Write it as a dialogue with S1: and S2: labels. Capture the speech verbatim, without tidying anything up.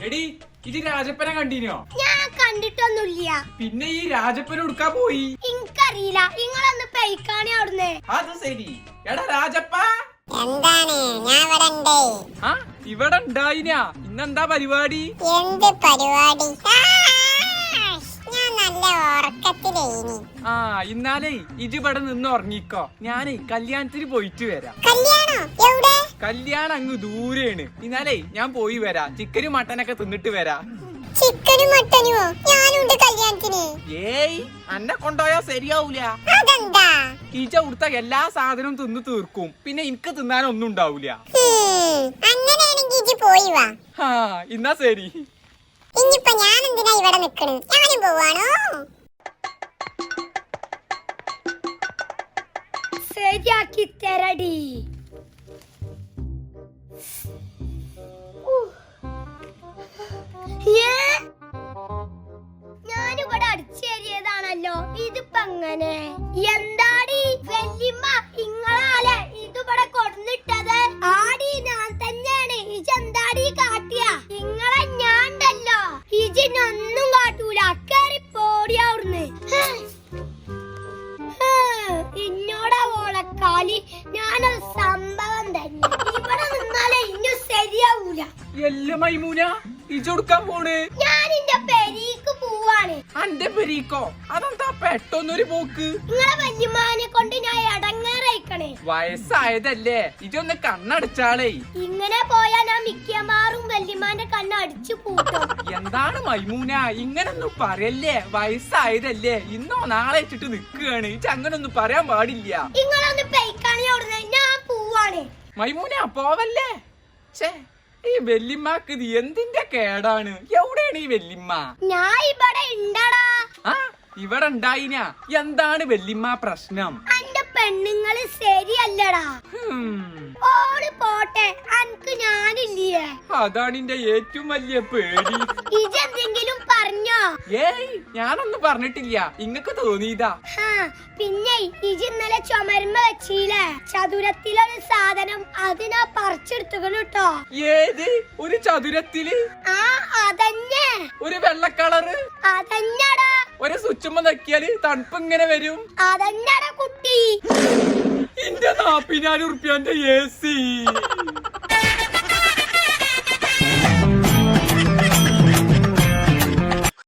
S1: എടി ഇത് രാജപ്പനെ കണ്ടിനോ?
S2: ഞാൻ കണ്ടിട്ടൊന്നുമില്ല.
S1: പിന്നെ ഈ രാജപ്പൻ എടുക്കാ പോയി
S2: എനിക്കറിയില്ല. നിങ്ങളൊന്ന് പെയ്ക്കാണേ അവിടുന്ന്.
S1: അത് ശരി. എടാ രാജപ്പ
S3: എന്താണ്? ഞാൻ ഇവിടെ ഉണ്ട്.
S1: ആ ഇവിടെ ഉണ്ടായിനാ. ഇന്നെന്താ പരിപാടി?
S3: എന്ത് പരിപാടി? ഞാൻ നല്ല ഉറക്കത്തിലേനി.
S1: ആ ഇന്നാലേ ഇജ് ഇവിടെ നിന്ന് ഉറങ്ങിക്കോ. ഞാനേ കല്യാണത്തിന് പോയിട്ട് വരാം.
S3: കല്യാണോ? എവിടെ?
S1: കല്യാണം അങ്ങ് ദൂരെയാണ്. ഇന്നാലേ ഞാൻ പോയി വരാം. ചിക്കനും മട്ടനൊക്കെ തിന്നിട്ട് വരാം.
S3: ചിക്കനും മട്ടനുമോ? ഞാനുണ്ട് കല്യാണത്തിന്.
S1: ഏയ് അന്നെ കൊണ്ടുപോയാ ശരിയാവൂല.
S3: അതെന്താ?
S1: ഈച്ച കൊടുത്ത എല്ലാ സാധനവും തിന്ന് തീർക്കും. പിന്നെ എനിക്ക് തിന്നാനൊന്നും ഉണ്ടാവൂല.
S3: അങ്ങനെയാണെങ്കിൽ ഇജ്ജ് പോയി വാ.
S1: ആ എന്നാ ശരി.
S3: ഇനിയിപ്പൊ ഞാൻ എന്തിനാ ഇവിടെ നിക്കണ്? ഞാനും പോവാണോ?
S2: ശരിയാക്കി തരടി. ഞാനിവിടെ അടിച്ചേരിയതാണല്ലോ. ഇതിപ്പോ എങ്ങനെ? എന്താടി വല്യമ്മ ഇങ്ങളാലെ ഇതിവിടെ കൊടുന്നിട്ടത്? ആടി ഞാൻ തന്നെയാണ്. ഇജെന്താടി കാട്ടിയ? ഇങ്ങളെ ഞാണ്ടല്ലോ. ഇജിനൊന്നും കാട്ടൂല. കേറി പോടിയാവുന്ന്. ഇന്നോടാ ഓളക്കാലി. ഞാനൊരു സംഭവം തന്നെ. ഇവിടെ നിന്നാലേ ഇന്നു ശരിയാവൂല.
S1: എല്ല മൈമൂന ഇജൊടുക്കാൻ പോണ്?
S2: ഞാൻ എന്റെ പെരീക്ക് പോവാണ്.
S1: അന്റെ പെരീക്കോ? അതെന്താ പെട്ടെന്നൊരു പോക്ക്?
S2: നിങ്ങളെ വല്യമ്മാനെ കൊണ്ട് ഞാൻ ഇടങ്ങേറയിക്കണേ.
S1: വയസ്സായതല്ലേ, ഇജൊന്ന് കണ്ണടച്ചാളേ.
S2: ഇങ്ങനെ പോയാ ഞാൻ മിക്കമാറും വല്യമ്മാന്റെ കണ്ണ് അടിച്ചു പൂട്ടും.
S1: എന്താണ് മൈമൂന ഇങ്ങനൊന്നും പറയല്ലേ? വയസ്സായതല്ലേ, ഇന്നോ നാളെ വെച്ചിട്ട് നിക്കുകയാണ്. ഇജ അങ്ങനൊന്നും പറയാൻ പാടില്ല.
S2: നിങ്ങളൊന്ന് പെയ്ക്കാണി ഓടുന്നേ. ഞാൻ പോവാണ്.
S1: മൈമൂന പോവല്ലേ. ഛേ ഈ വെല്ലിമ്മക്ക് ഇത് എന്തിന്റെ കേടാണ്? എവിടെയാണ് ഈ വെല്ലിമ്മ?
S2: ഞാൻ ഇവിടെ ഉണ്ടടാ.
S1: ആ ഇവിടെ ഉണ്ടായിനാ. എന്താണ് വെല്ലിമ്മ പ്രശ്നം?
S2: അന്റെ പെണ്ണുങ്ങള് ശരിയല്ലടാ. ഓള് പോട്ടെ, അനക്ക് ഞാനില്ലേ?
S1: അതാണ് എന്റെ ഏറ്റവും വലിയ പേടി.
S2: ഇജെന്തെങ്കിലും പറഞ്ഞോ?
S1: ഏയ് ഞാനൊന്നും പറഞ്ഞിട്ടില്ല. ഇങ്ങക്ക് തോന്നിയതാ.
S2: പിന്നെ ഇജ് ഇന്നലെ ചുമരുമ്പ വെച്ചില്ലേ ചതുരത്തിലൊരു സാധനം? അതിനാ പറിച്ചെടുത്തുകണു കേട്ടോ.
S1: ഏത് ഒരു ചതുരത്തില്?
S2: ആ അതന്നെ.
S1: ഒരു വെള്ള കളറ്?
S2: അതന്നടാ.
S1: ഒരു സ്വിച്ചുമ്മ നക്കിയാല് തണുപ്പ് ഇങ്ങനെ വരും?
S2: അതന്നടാ കുട്ടി.
S1: എന്റെ നാപ്പതിനായിരം ഉറുപ്പ്യന്റെ എ സി.